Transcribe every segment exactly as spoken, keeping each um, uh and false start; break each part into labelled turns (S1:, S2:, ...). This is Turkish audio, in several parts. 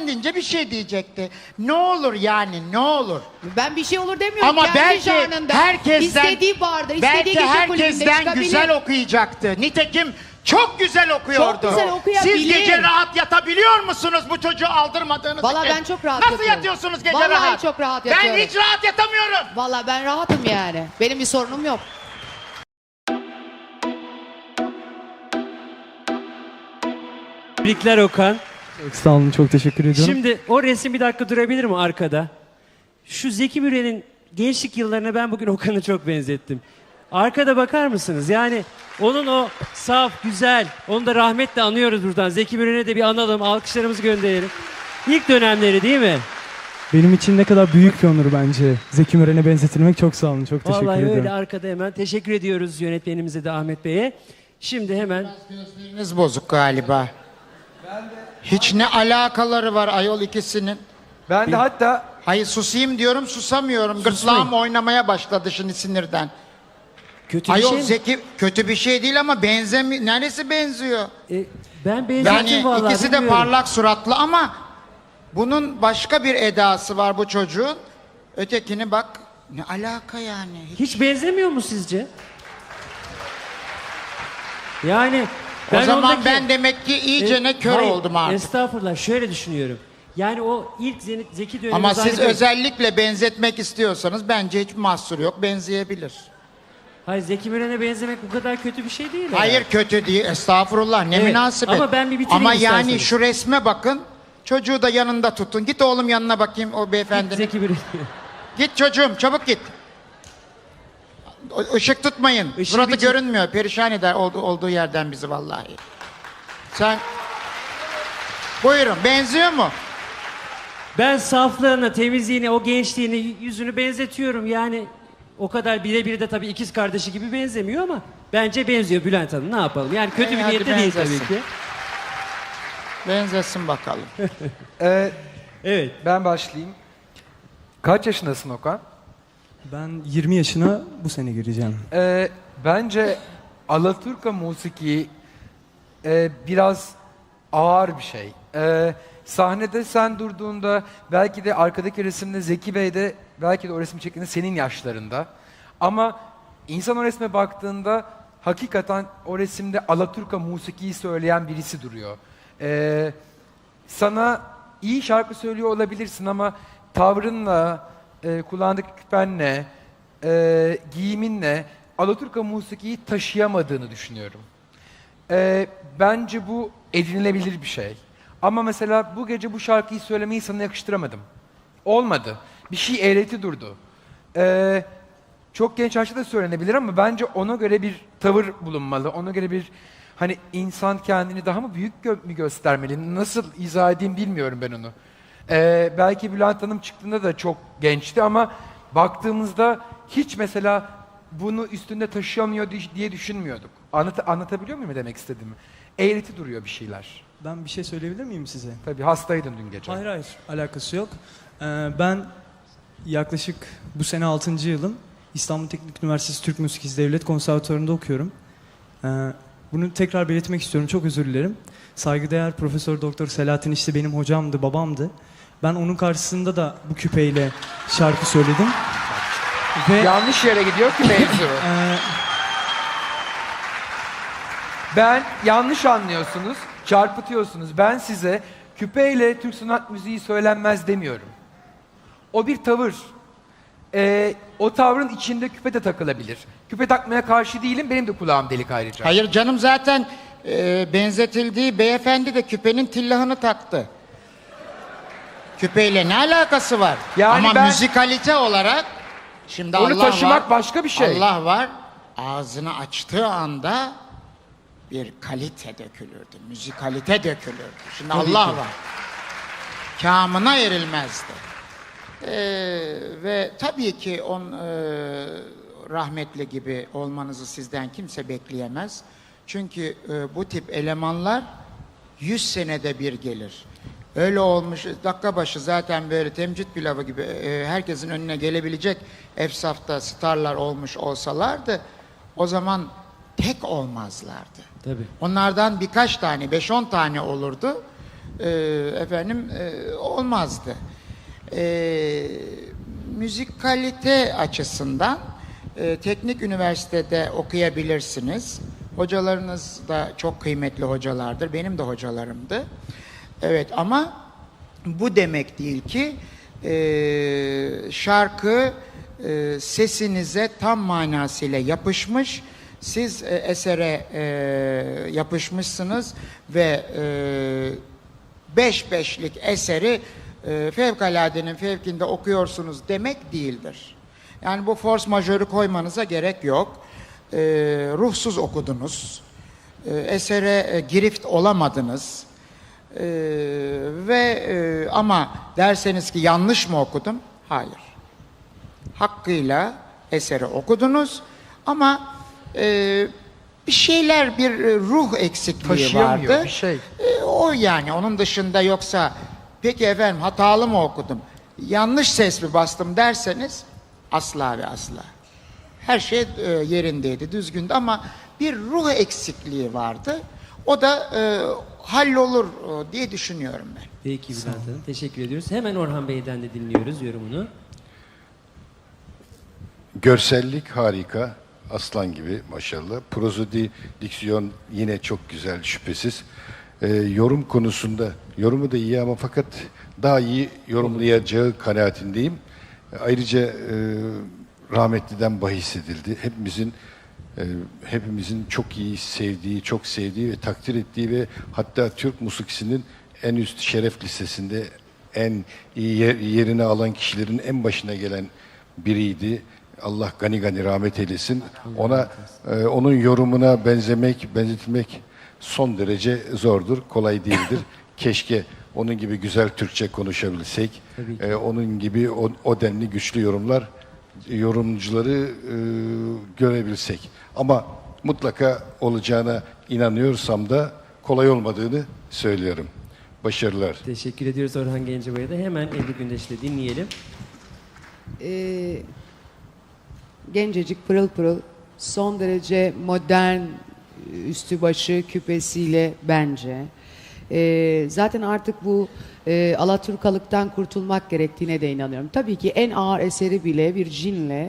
S1: deyince bir şey diyecekti. Ne olur yani, ne olur.
S2: Ben bir şey olur demiyorum.
S1: Ama
S2: Kendi
S1: belki
S2: janrında.
S1: herkesten,
S2: İstediği barda, istediği
S1: belki
S2: gece kulübünde
S1: herkesten
S2: çıkabilir.
S1: güzel okuyacaktı. Nitekim çok güzel okuyordu.
S2: Çok güzel okuyabilir.
S1: Siz gece rahat yatabiliyor musunuz bu çocuğu aldırmadığınız
S2: Vallahi
S1: için?
S2: ben çok rahat
S1: Nasıl
S2: yatıyorum.
S1: yatıyorsunuz gece
S2: Vallahi
S1: rahat?
S2: çok rahat
S1: Ben
S2: yatıyorum.
S1: hiç rahat yatamıyorum.
S2: Vallahi ben rahatım yani. Benim bir sorunum yok.
S3: Tebrikler Okan.
S4: Çok sağ olun, çok teşekkür ediyorum.
S3: Şimdi o resim bir dakika durabilir mi arkada? Şu Zeki Müren'in gençlik yıllarına ben bugün Okan'ı çok benzettim. Arkada bakar mısınız? Yani onun o saf, güzel, onu da rahmetle anıyoruz buradan. Zeki Müren'e de bir analım, alkışlarımızı gönderelim. İlk dönemleri değil mi?
S4: Benim için ne kadar büyük bir onur bence. Zeki Müren'e benzetilmek. Çok sağ olun, çok teşekkür
S3: Vallahi
S4: ediyorum.
S3: öyle arkada hemen. Teşekkür ediyoruz yönetmenimize de Ahmet Bey'e. Şimdi hemen...
S1: Gözleriniz bozuk galiba. Hiç ne alakaları var ayol ikisinin.
S5: Ben de hatta
S1: Hayır susayım diyorum susamıyorum. Gırtlağım oynamaya başladı şimdi sinirden.
S3: Kötü bir
S1: Ayol
S3: şey mi?
S1: Zeki kötü bir şey değil ama benzemi neresi benziyor?
S3: E, ben benzettim
S1: Yani
S3: vallahi.
S1: ikisi de
S3: bilmiyorum.
S1: parlak suratlı ama bunun başka bir edası var bu çocuğun. Ötekini bak ne alaka yani? Hiç-
S3: Hiç benzemiyor mu sizce? Yani
S1: O
S3: ben
S1: zaman
S3: ondaki-
S1: ben demek ki iyice ne
S3: E,
S1: kör
S3: hayır,
S1: oldum artık.
S3: Estağfurullah şöyle düşünüyorum. Yani o ilk Zeni- Zeki dönemi
S1: Ama siz
S3: zannediyorum-
S1: özellikle benzetmek istiyorsanız bence hiç mahsur yok. Benzeyebilir.
S3: Hayır Zeki Müren'e benzemek bu kadar kötü bir şey değil.
S1: Hayır
S3: herhalde.
S1: kötü değil. Estağfurullah ne
S3: Evet,
S1: münasebet.
S3: ama ben bir bitireyim
S1: Ama yani
S3: isterseniz.
S1: şu resme bakın. Çocuğu da yanında tutun. Git oğlum yanına bakayım o beyefendinin.
S3: Zeki Müren.
S1: Git çocuğum çabuk git. O- Işık tutmayın.
S3: Işığı
S1: Suratı
S3: bir-
S1: görünmüyor. Perişan eder olduğu, olduğu yerden bizi vallahi. Sen... Buyurun benziyor mu?
S3: Ben saflığını, temizliğini, o gençliğini, yüzünü benzetiyorum. Yani o kadar birebir de tabii ikiz kardeşi gibi benzemiyor ama bence benziyor Bülent Hanım. Ne yapalım? Yani kötü
S1: İyi,
S3: bir
S1: hadi
S3: niyette değil
S1: benzesin.
S3: tabii ki.
S1: Benzesin bakalım.
S5: e,
S3: Evet.
S5: ben başlayayım. Kaç yaşındasın Okan?
S4: Ben yirmi yaşına bu sene gireceğim.
S5: E, bence Alaturka musiki e, biraz ağır bir şey. E, sahnede sen durduğunda belki de arkadaki resimde Zeki Bey de belki de o resmi çektiğinde senin yaşlarında. Ama insan o resme baktığında hakikaten o resimde Alaturka musikiyi söyleyen birisi duruyor. E, sana iyi şarkı söylüyor olabilirsin ama tavrınla, e, kulağındaki küpenle, e, giyiminle Alaturka musikiyi taşıyamadığını düşünüyorum. E, bence bu edinilebilir bir şey. Ama mesela bu gece bu şarkıyı söylemeyi sana yakıştıramadım. Olmadı. Bir şey eğreti durdu. E, çok genç yaşta da söylenebilir ama bence ona göre bir tavır bulunmalı. Ona göre bir hani insan kendini daha mı büyük gö- mü göstermeli? Nasıl izah edeyim bilmiyorum ben onu. Ee, belki Bülent Hanım çıktığında da çok gençti ama baktığımızda hiç mesela bunu üstünde taşıyamıyor di- diye düşünmüyorduk. Anlat anlatabiliyor muyum demek istediğimi? Eğreti duruyor bir şeyler.
S4: Ben bir şey söyleyebilir miyim size?
S5: Tabii hastaydın dün gece.
S4: Hayır hayır, alakası yok. Ee, ben yaklaşık bu sene altıncı yılım. İstanbul Teknik Üniversitesi Türk Müzik İz Devlet Konservatuvarı'nda okuyorum. Ee, bunu tekrar belirtmek istiyorum, çok özür dilerim. Saygıdeğer Profesör Doktor Selahattin işte benim hocamdı, babamdı. Ben onun karşısında da bu küpeyle şarkı söyledim. Ve
S5: Yanlış yere gidiyor ki mevzu.
S4: e,
S5: Ben yanlış anlıyorsunuz, çarpıtıyorsunuz. Ben size küpeyle Türk sanat müziği söylenmez demiyorum. O bir tavır. Ee, o tavrın içinde küpe de takılabilir. Küpe takmaya karşı değilim, benim de kulağım delik ayrıca.
S1: Hayır canım zaten e, benzetildiği beyefendi de küpenin tillahını taktı. Küpeyle ne alakası var?
S5: Yani
S1: Ama
S5: ben-
S1: müzikalite olarak şimdi
S5: Onu
S1: Allah
S5: taşımak
S1: var,
S5: başka bir şey.
S1: Allah var. Ağzını açtığı anda bir kalite dökülürdü. Müzikalite dökülürdü. Şimdi
S5: Tabii
S1: Allah
S5: ki.
S1: var. Kamına erilmezdi. Ee, ve tabii ki on e, rahmetli gibi olmanızı sizden kimse bekleyemez. Çünkü e, bu tip elemanlar yüz senede bir gelir. Öyle olmuş dakika başı zaten böyle temcit pilavı gibi e, herkesin önüne gelebilecek efsafta starlar olmuş olsalardı o zaman tek olmazlardı.
S3: Tabii.
S1: Onlardan birkaç tane, beş on tane olurdu. e, efendim e, olmazdı. E, müzikalite açısından e, teknik üniversitede okuyabilirsiniz. Hocalarınız da çok kıymetli hocalardır. Benim de hocalarımdı. Evet, ama bu demek değil ki e, şarkı e, sesinize tam manasıyla yapışmış. Siz e, esere e, yapışmışsınız ve e, beş beşlik eseri e, fevkaladenin fevkinde okuyorsunuz demek değildir. Yani bu force majeure koymanıza gerek yok. E, ruhsuz okudunuz. E, esere e, girift olamadınız. E, ve e, ama derseniz ki yanlış mı okudum? Hayır. Hakkıyla eseri okudunuz ama e, bir şeyler, bir e, ruh eksikliği
S5: Taşıyamıyor
S1: vardı.
S5: bir şey.
S1: E, o yani, onun dışında yoksa peki efendim hatalı mı okudum, yanlış ses mi bastım derseniz asla ve asla. Her şey e, yerindeydi, düzgündü ama bir ruh eksikliği vardı. O da e, hallolur e, diye düşünüyorum ben.
S3: Peki Bülent Hanım, teşekkür ediyoruz. Hemen Orhan Bey'den de dinliyoruz yorumunu.
S6: Görsellik harika. Aslan gibi maşallah. Prozodi, diksiyon yine çok güzel şüphesiz. Ee, yorum konusunda, yorumu da iyi ama fakat daha iyi yorumlayacağı kanaatindeyim. Ayrıca e, rahmetliden bahis edildi. Hepimizin e, hepimizin çok iyi sevdiği, çok sevdiği ve takdir ettiği ve hatta Türk musikisinin en üst şeref listesinde en iyi yer- yerini alan kişilerin en başına gelen biriydi. Allah gani gani rahmet eylesin. Ona e, onun yorumuna benzemek, benzetilmek son derece zordur, kolay değildir. Keşke onun gibi güzel Türkçe konuşabilsek.
S3: Tabii ki.
S6: E, onun gibi o, o denli güçlü yorumlar, yorumcuları e, görebilsek. Ama mutlaka olacağına inanıyorsam da kolay olmadığını söylüyorum. Başarılar.
S3: Teşekkür ediyoruz Orhan Gencebay'a da. Hemen Ebru Gündeş'le dinleyelim.
S2: Ee, gencecik, pırıl pırıl, son derece modern, üstü başı küpesiyle bence. Ee, zaten artık bu e, Alaturkalıktan kurtulmak gerektiğine de inanıyorum. Tabii ki en ağır eseri bile bir cinle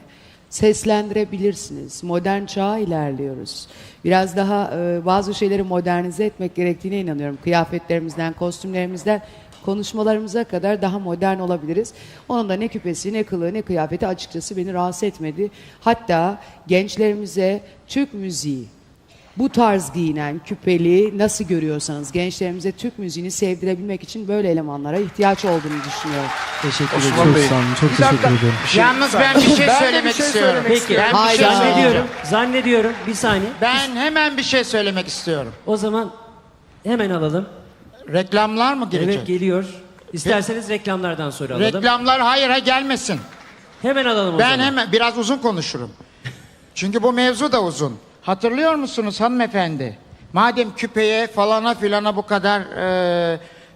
S2: seslendirebilirsiniz. Modern çağa ilerliyoruz. Biraz daha e, bazı şeyleri modernize etmek gerektiğine inanıyorum. Kıyafetlerimizden, kostümlerimizden, konuşmalarımıza kadar daha modern olabiliriz. Onun da ne küpesi, ne kılığı, ne kıyafeti açıkçası beni rahatsız etmedi. Hatta gençlerimize Türk müziği, bu tarz giyinen, küpeli nasıl görüyorsanız gençlerimize Türk müziğini sevdirebilmek için böyle elemanlara ihtiyaç olduğunu düşünüyorum.
S3: Teşekkür
S6: Osman
S3: ediyoruz.
S6: Bey,
S4: Çok sağ olun, çok
S5: Bir
S4: teşekkür
S5: dakika.
S4: ederim.
S1: Yalnız ben bir şey
S5: Ben de
S1: söylemek
S5: bir şey
S1: istiyorum.
S5: söylemek
S3: Peki,
S5: istiyorum.
S1: Ben bir şey
S2: Hayda.
S3: zannediyorum, zannediyorum. Bir saniye.
S1: Ben hemen bir şey söylemek istiyorum.
S3: O zaman hemen alalım.
S1: Reklamlar mı girecek?
S3: Evet, geliyor. İsterseniz reklamlardan sonra alalım.
S1: Reklamlar hayır ha gelmesin.
S3: Hemen alalım o
S1: Ben
S3: zaman.
S1: hemen biraz uzun konuşurum. Çünkü bu mevzu da uzun. Hatırlıyor musunuz hanımefendi? Madem küpeye falana filana bu kadar e,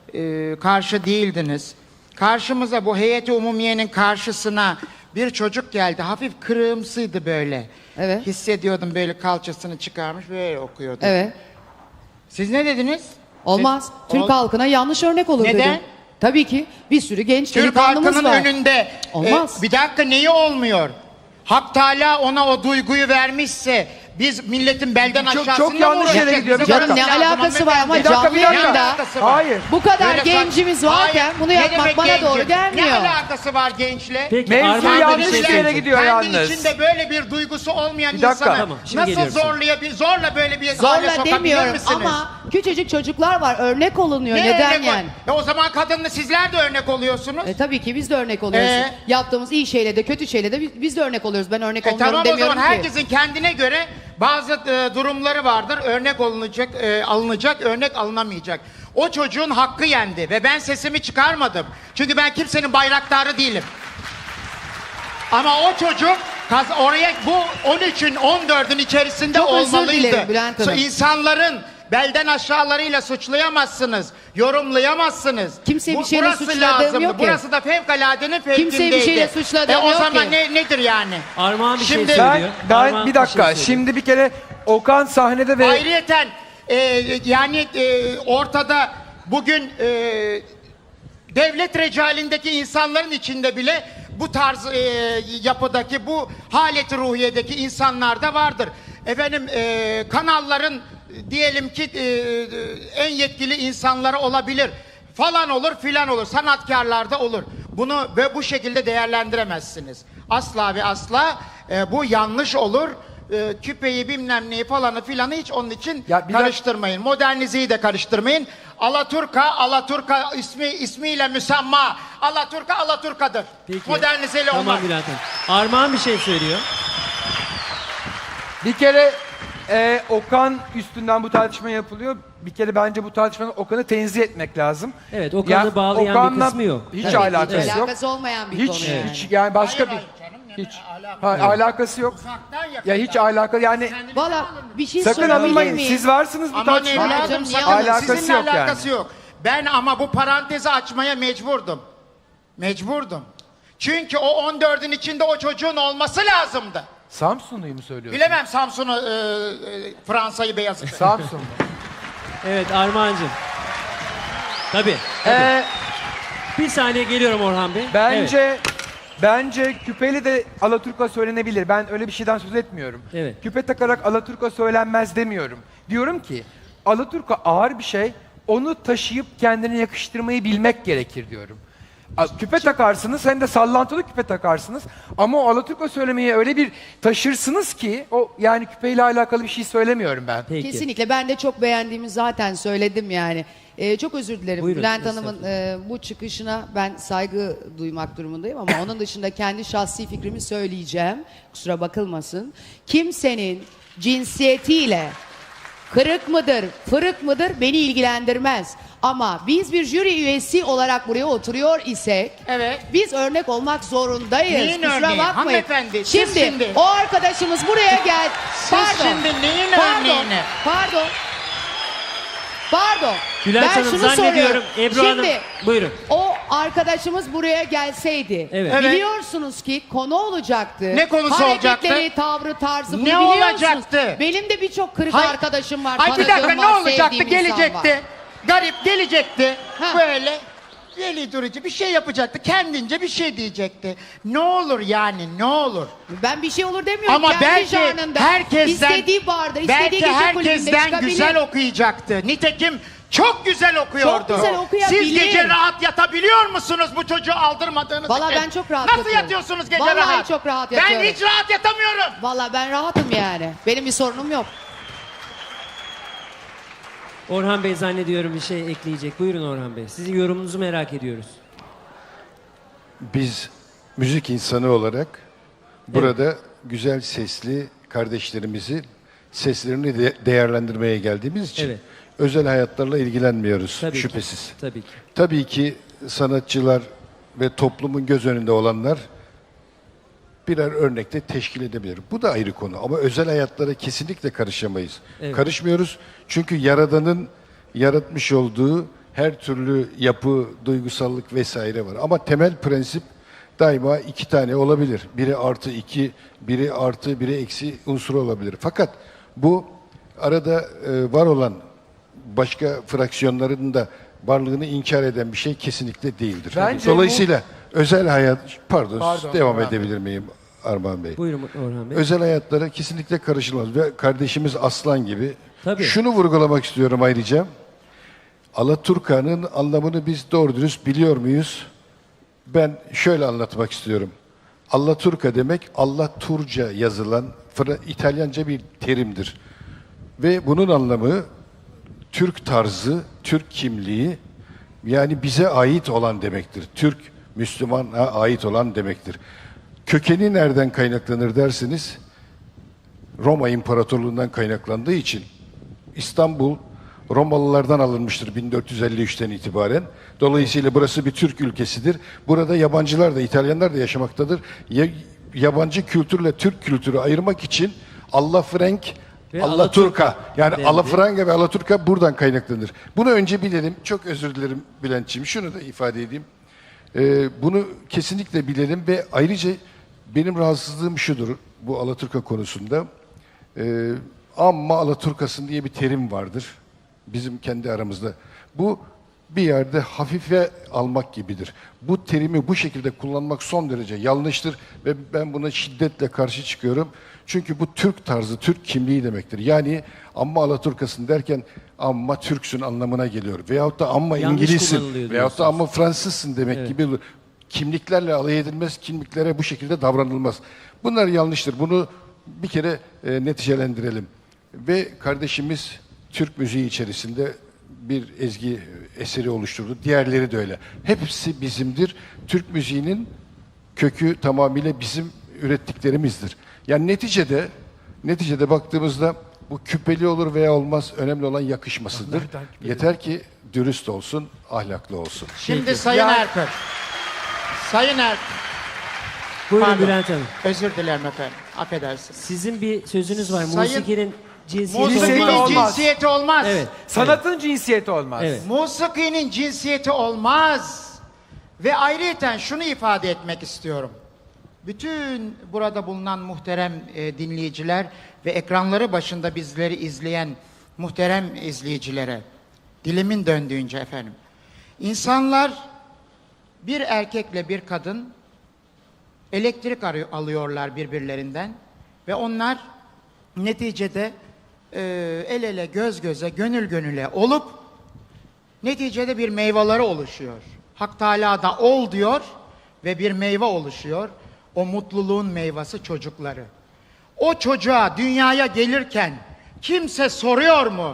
S1: e, karşı değildiniz. Karşımıza bu heyeti umumiyenin karşısına bir çocuk geldi. Hafif kırığımsıydı böyle.
S2: Evet.
S1: Hissediyordum, böyle kalçasını çıkarmış böyle okuyordu.
S2: Evet.
S1: Siz ne dediniz?
S2: Olmaz.
S1: Siz-
S2: Türk
S1: Ol-
S2: halkına yanlış örnek olur
S1: Neden?
S2: dedim. Tabii ki bir sürü genç
S1: Türk
S2: delikanlımız
S1: halkının
S2: var.
S1: önünde
S2: Olmaz.
S1: e, bir dakika, neyi olmuyor? Hak Teala ona o duyguyu vermişse biz milletin belden
S5: Çok-
S1: aşağısında
S5: çok
S1: mı
S5: yanlış yere
S1: uğraşacağız?
S5: gidiyor. Bir
S1: Bize
S2: Canım
S5: dakika.
S2: ne
S1: bakmak lazım
S2: alakası var ama
S1: hanımefendi.
S5: Bir dakika, bir
S2: canlı
S5: dakika.
S2: yayında
S1: alakası var?
S5: Hayır.
S2: bu kadar
S1: Böyle
S2: gencimiz
S1: saç-
S2: varken
S1: Hayır.
S2: bunu
S1: Ne
S2: yapmak
S1: demek
S2: bana
S1: gencim?
S2: doğru gelmiyor.
S1: Ne alakası var gençle?
S3: Peki,
S5: Mevzu
S3: Armağan da bir
S5: yanlış
S3: şey
S5: yere
S3: söyleyecek.
S5: gidiyor
S1: Kendi
S5: yalnız.
S1: içinde böyle bir duygusu olmayan
S5: Bir dakika.
S1: insana
S3: Tamam, şimdi
S1: nasıl
S3: geliyoruz.
S1: zorlayabilir, zorla böyle bir hale
S2: Zorla
S1: sokabilir
S2: demiyorum
S1: misiniz?
S2: ama küçücük çocuklar var, örnek olunuyor.
S1: Ne
S2: Neden
S1: örnek
S2: yani?
S1: ol- E o zaman kadınla sizler de örnek oluyorsunuz.
S2: E, tabii ki biz de örnek oluyoruz.
S1: Ee?
S2: Yaptığımız iyi şeyle de kötü şeyle de biz, biz de örnek oluyoruz. Ben örnek
S1: E
S2: olmuyorum
S1: tamam, o
S2: demiyorum
S1: zaman
S2: ki.
S1: herkesin kendine göre bazı e, durumları vardır. Örnek olunacak, e, alınacak, örnek alınamayacak. O çocuğun hakkı yendi ve ben sesimi çıkarmadım. Çünkü ben kimsenin bayraktarı değilim. Ama o çocuk kaz- oraya bu on üçün on dördün içerisinde
S2: Çok özür
S1: olmalıydı.
S2: dilerim Bülent Hanım.
S1: So, insanların belden aşağılarıyla suçlayamazsınız, yorumlayamazsınız.
S2: Kimseyi bir şeyle
S1: burası
S2: suçladığım
S1: lazımdı.
S2: yok ki.
S1: Burası da fevkaladenin fevkindeydi.
S2: Kimseyi bir şeyle suçladığım
S1: e, o
S2: yok
S1: zaman
S2: ki.
S1: ne, nedir yani?
S3: Armağan bir
S1: Şimdi-
S3: şey
S5: Ben,
S3: söylüyor.
S5: ben
S3: Armağan
S5: bir dakika.
S3: şey söylüyor.
S5: Şimdi bir kere Okan sahnede ve
S1: Ayrıyeten e, yani e, ortada Bugün e, devlet recalindeki insanların içinde bile bu tarz e, yapıdaki, bu haleti ruhiyedeki insanlar da vardır. Efendim e, kanalların e, diyelim ki e, en yetkili insanları olabilir. Falan olur filan olur. Sanatkarlar da olur. Bunu ve bu şekilde değerlendiremezsiniz. Asla ve asla e, bu yanlış olur. E, küpeyi bilmem neyi falanı filanı hiç onun için
S5: Ya bir
S1: karıştırmayın. Modernizeyi de karıştırmayın. Alaturka, Alaturka ismi ismiyle müsemma. Alaturka, Alaturka'dır.
S3: Peki.
S1: Modernizeyle
S3: Tamam
S1: olmaz.
S3: Bülent Hanım. Armağan bir şey söylüyor.
S5: Bir kere e, Okan üstünden bu tartışma yapılıyor. Bir kere bence bu tartışmanın Okan'ı tenzih etmek lazım.
S3: Evet, Okan'ı bağlayan bir
S5: Okan'la
S3: kısmı yok.
S5: Hiç
S3: Evet,
S5: alakası
S2: Hiç
S5: yok.
S2: alakası olmayan bir
S5: Hiç
S2: konu yani.
S5: hiç yani başka
S1: Hayır,
S5: bir
S1: hayır canım, yani
S5: hiç
S1: alakası-
S5: ha, alakası yok.
S1: Uzaktan
S5: Ya
S1: yakından.
S5: hiç alaka yani
S2: Valla bir şey
S5: sakın
S2: sorabilir
S5: alınmayın.
S2: miyim?
S5: Siz varsınız bu
S1: Aman
S5: tartışmada.
S2: Canım,
S1: evladım
S2: niye
S1: sakın
S5: alakası
S1: sizinle
S5: yok yani.
S1: alakası yok. Ben ama bu parantezi açmaya mecburdum. Mecburdum. Çünkü o on dördün içinde o çocuğun olması lazımdı.
S5: Samsunlu'yu mu söylüyorsun?
S1: Bilemem Samsun'u, e, e, Fransa'yı, Beyazıt.
S5: Samsun.
S3: Evet Armağan'cığım. Tabii. tabii.
S5: Ee,
S3: Bir saniye geliyorum Orhan Bey. Evet.
S5: bence bence küpeli de Alaturka söylenebilir. Ben öyle bir şeyden söz etmiyorum.
S3: Evet.
S5: Küpe takarak Alaturka söylenmez demiyorum. Diyorum ki Alaturka ağır bir şey. Onu taşıyıp kendine yakıştırmayı bilmek gerekir diyorum. A- Küpe takarsınız, hem de sallantılı küpe takarsınız. Ama o Alaturka söylemeyi öyle bir taşırsınız ki, o yani küpeyle alakalı bir şey söylemiyorum ben.
S3: Peki.
S2: Kesinlikle ben de çok beğendiğimi zaten söyledim yani. Ee, çok özür dilerim.
S3: Buyurun,
S2: Bülent Hanım'ın
S3: estağfurullah.
S2: e, bu çıkışına ben saygı duymak durumundayım ama onun dışında kendi şahsi fikrimi söyleyeceğim. Kusura bakılmasın. Kimsenin cinsiyetiyle kırık mıdır, fırık mıdır beni ilgilendirmez. Ama biz bir jüri üyesi olarak buraya oturuyor isek,
S1: Evet.
S2: biz örnek olmak zorundayız.
S1: Neyin
S2: Kusura
S1: örneği?
S2: bakmayın.
S1: Hanımefendi, siz
S2: Şimdi,
S1: şimdi-
S2: o arkadaşımız buraya gel.
S1: Siz şimdi neyin örneğini?
S2: Pardon. Pardon.
S3: Bülent
S2: ben
S3: Hanım
S2: şunu
S3: zannediyorum
S2: soruyorum.
S3: Ebru
S2: Şimdi,
S3: Hanım. Buyurun.
S2: o arkadaşımız buraya gelseydi.
S3: Evet.
S1: Evet.
S2: Biliyorsunuz ki konu olacaktı.
S1: Ne konusu
S2: Hareketleri,
S1: olacaktı?
S2: tavrı, tarzı bunu
S1: Ne
S2: biliyorsunuz.
S1: olacaktı?
S2: Benim de birçok kırık
S1: Hay-
S2: arkadaşım var.
S1: Ay bir
S2: tanıdığım
S1: dakika ne
S2: var,
S1: olacaktı?
S2: sevdiğim insan
S1: Gelecekti.
S2: var.
S1: Garip gelecekti.
S2: Ha.
S1: Böyle deli durucu bir şey yapacaktı. Kendince bir şey diyecekti. Ne olur yani ne olur.
S2: Ben bir şey olur demiyorum.
S1: Ama
S2: Kendi
S1: belki
S2: janrında,
S1: herkesten
S2: istediği barda, istediği
S1: belki
S2: gece kulübünde
S1: herkesten
S2: çıkabilir.
S1: güzel okuyacaktı. Nitekim çok güzel okuyordu.
S2: Çok güzel okuyabilir.
S1: Siz gece rahat yatabiliyor musunuz bu çocuğu aldırmadığınız
S2: Vallahi
S1: için?
S2: ben çok rahat
S1: Nasıl
S2: yatıyorum.
S1: yatıyorsunuz gece
S2: Vallahi
S1: rahat?
S2: çok rahat
S1: Ben
S2: yatıyorum.
S1: hiç rahat yatamıyorum.
S2: Valla ben rahatım yani. Benim bir sorunum yok.
S3: Orhan Bey zannediyorum bir şey ekleyecek. Buyurun Orhan Bey. Sizin yorumunuzu merak ediyoruz.
S6: Biz müzik insanı olarak burada güzel sesli kardeşlerimizi seslerini de- değerlendirmeye geldiğimiz için
S3: Evet.
S6: özel hayatlarla ilgilenmiyoruz
S3: Tabii
S6: şüphesiz.
S3: ki. Tabii ki.
S6: Tabii ki sanatçılar ve toplumun göz önünde olanlar birer örnekte teşkil edebilir. Bu da ayrı konu ama özel hayatlara kesinlikle karışamayız.
S3: Evet.
S6: Karışmıyoruz çünkü Yaradan'ın yaratmış olduğu her türlü yapı, duygusallık vesaire var. Ama temel prensip daima iki tane olabilir. Biri artı iki, biri artı, biri eksi unsuru olabilir. Fakat bu arada e, var olan başka fraksiyonların da varlığını inkar eden bir şey kesinlikle değildir.
S5: Bence
S6: Dolayısıyla özel hayat, pardon,
S5: Pardon,
S6: devam
S5: Orhan
S6: edebilir miyim Armağan Bey?
S3: Buyurun Orhan Bey.
S6: Özel hayatlara kesinlikle karışılmaz ve kardeşimiz Aslan gibi.
S3: Tabii.
S6: Şunu vurgulamak istiyorum ayrıca. Alaturka'nın anlamını biz doğru dürüst biliyor muyuz? Ben şöyle anlatmak istiyorum. Allaturka demek Allah Turca yazılan Fra- İtalyanca bir terimdir. Ve bunun anlamı Türk tarzı, Türk kimliği, yani bize ait olan demektir. Türk, Müslümana ait olan demektir. Kökeni nereden kaynaklanır derseniz, Roma İmparatorluğu'ndan kaynaklandığı için İstanbul Romalılardan alınmıştır bin dört yüz elli üçten itibaren. Dolayısıyla burası bir Türk ülkesidir. Burada yabancılar da, İtalyanlar da yaşamaktadır. Ya- yabancı kültürle Türk kültürü ayırmak için Allafrank,
S3: Ve
S6: Allaturka,
S3: Alaturka
S6: yani
S3: dendi.
S6: Alafranga ve Alaturka buradan kaynaklanır. Bunu önce bilelim. Çok özür dilerim Bülent'ciğim. Şunu da ifade edeyim. Ee, bunu kesinlikle bilelim ve ayrıca benim rahatsızlığım şudur bu Alaturka konusunda. Ee, amma Alaturkasın diye bir terim vardır bizim kendi aramızda. Bu bir yerde hafife almak gibidir. Bu terimi bu şekilde kullanmak son derece yanlıştır ve ben buna şiddetle karşı çıkıyorum. Çünkü bu Türk tarzı, Türk kimliği demektir. Yani amma Alaturkasın derken amma Türksün anlamına geliyor. Veyahut da amma
S3: Yanlış
S6: İngilizsin
S3: kullanılıyor
S6: veyahut da
S3: diyorsunuz.
S6: amma Fransızsın demek
S3: Evet.
S6: gibi kimliklerle alay edilmez, kimliklere bu şekilde davranılmaz. Bunlar yanlıştır. Bunu bir kere e, neticelendirelim. Ve kardeşimiz Türk müziği içerisinde bir ezgi eseri oluşturdu. Diğerleri de öyle. Hepsi bizimdir. Türk müziğinin kökü tamamıyla bizim ürettiklerimizdir. Yani neticede neticede baktığımızda bu küpeli olur veya olmaz, önemli olan yakışmasıdır. Yeter ki dürüst olsun, ahlaklı olsun.
S1: Şimdi
S3: Peki.
S1: Sayın
S5: Ya-
S1: Erkök. Sayın Er...
S3: Buyurun
S1: Pardon.
S3: Bülent Hanım.
S1: Özür dilerim efendim. Affedersiniz.
S3: Sizin bir sözünüz var.
S1: Sayın-
S3: Musikinin cinsiyeti
S5: Cinsiyeti
S1: Musikinin
S3: olmaz.
S5: olmaz.
S1: cinsiyeti olmaz.
S3: Evet.
S5: Sanatın cinsiyeti olmaz.
S3: Evet.
S1: Musikinin cinsiyeti olmaz. Ve ayrıyeten şunu ifade etmek istiyorum. Bütün burada bulunan muhterem e, dinleyiciler ve ekranları başında bizleri izleyen muhterem izleyicilere, dilimin döndüğünce efendim. İnsanlar bir erkekle bir kadın elektrik arıyor, alıyorlar birbirlerinden ve onlar neticede e, el ele göz göze gönül gönüle olup neticede bir meyveleri oluşuyor. Hak Teâlâ da ol diyor ve bir meyve oluşuyor. O mutluluğun meyvesi çocukları. O çocuğa dünyaya gelirken kimse soruyor mu?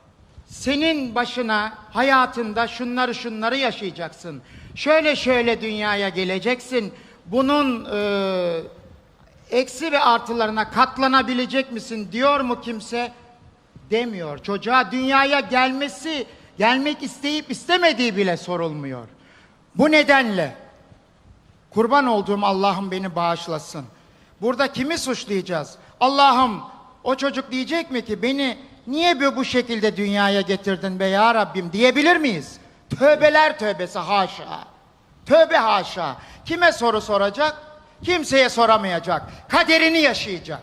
S1: Senin başına hayatında şunları şunları yaşayacaksın. Şöyle şöyle dünyaya geleceksin. Bunun e, eksi ve artılarına katlanabilecek misin diyor mu kimse? Demiyor. Çocuğa dünyaya gelmesi, gelmek isteyip istemediği bile sorulmuyor. Bu nedenle kurban olduğum Allah'ım beni bağışlasın. Burada kimi suçlayacağız? Allah'ım, o çocuk diyecek mi ki beni niye bu bu şekilde dünyaya getirdin be ya Rabbim diyebilir miyiz? Tövbeler tövbesi haşa. Tövbe haşa. Kime soru soracak? Kimseye soramayacak. Kaderini yaşayacak.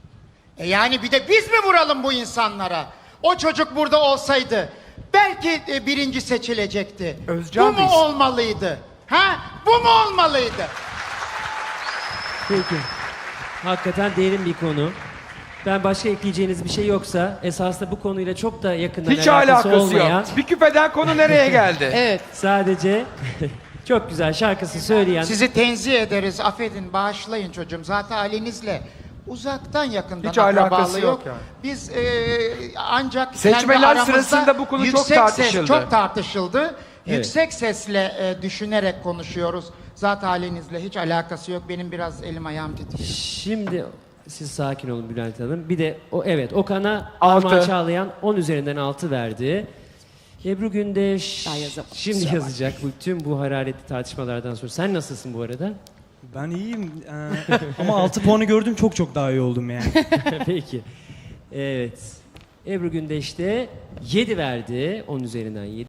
S1: E yani bir de biz mi vuralım bu insanlara? O çocuk burada olsaydı belki e, birinci seçilecekti.
S5: Özcan
S1: bu mu
S5: Bey.
S1: olmalıydı? Ha? Bu mu olmalıydı?
S3: Peki. Hakikaten derin bir konu. Ben başka ekleyeceğiniz bir şey yoksa esasında bu konuyla çok da yakından
S5: Hiç
S3: alakası,
S5: alakası
S3: olmayan
S5: yok. Bir küpeden konu nereye geldi?
S2: Evet.
S3: sadece çok güzel şarkısı söyleyen
S1: Sizi tenzih ederiz. Affedin, bağışlayın çocuğum. Zaten halinizle uzaktan yakından
S5: Hiç alakası
S1: akrabalığı
S5: yok
S1: yok.
S5: yani.
S1: Biz e, ancak
S5: Seçmeler
S1: kendi aramızda
S5: sırasında bu konu çok
S1: yüksek
S5: tartışıldı.
S1: Ses, çok tartışıldı.
S3: Evet.
S1: Yüksek sesle e, düşünerek konuşuyoruz. Zaten halinizle hiç alakası yok. Benim biraz elim ayağım titriyor.
S3: Şimdi siz sakin olun Bülent Hanım. Bir de o evet Okan'a
S5: Altı.
S3: Armağan Çağlayan on üzerinden altı verdi. Ebru Gündeş
S2: Daha yazamadım,
S3: şimdi
S2: kusura
S3: yazacak bu tüm bu hararetli tartışmalardan sonra. Sen nasılsın bu arada?
S4: Ben iyiyim Ee, ama altı puanı gördüm, çok çok daha iyi oldum yani.
S3: Peki. Evet. Ebru Gündeş de yedi verdi. on üzerinden yedi.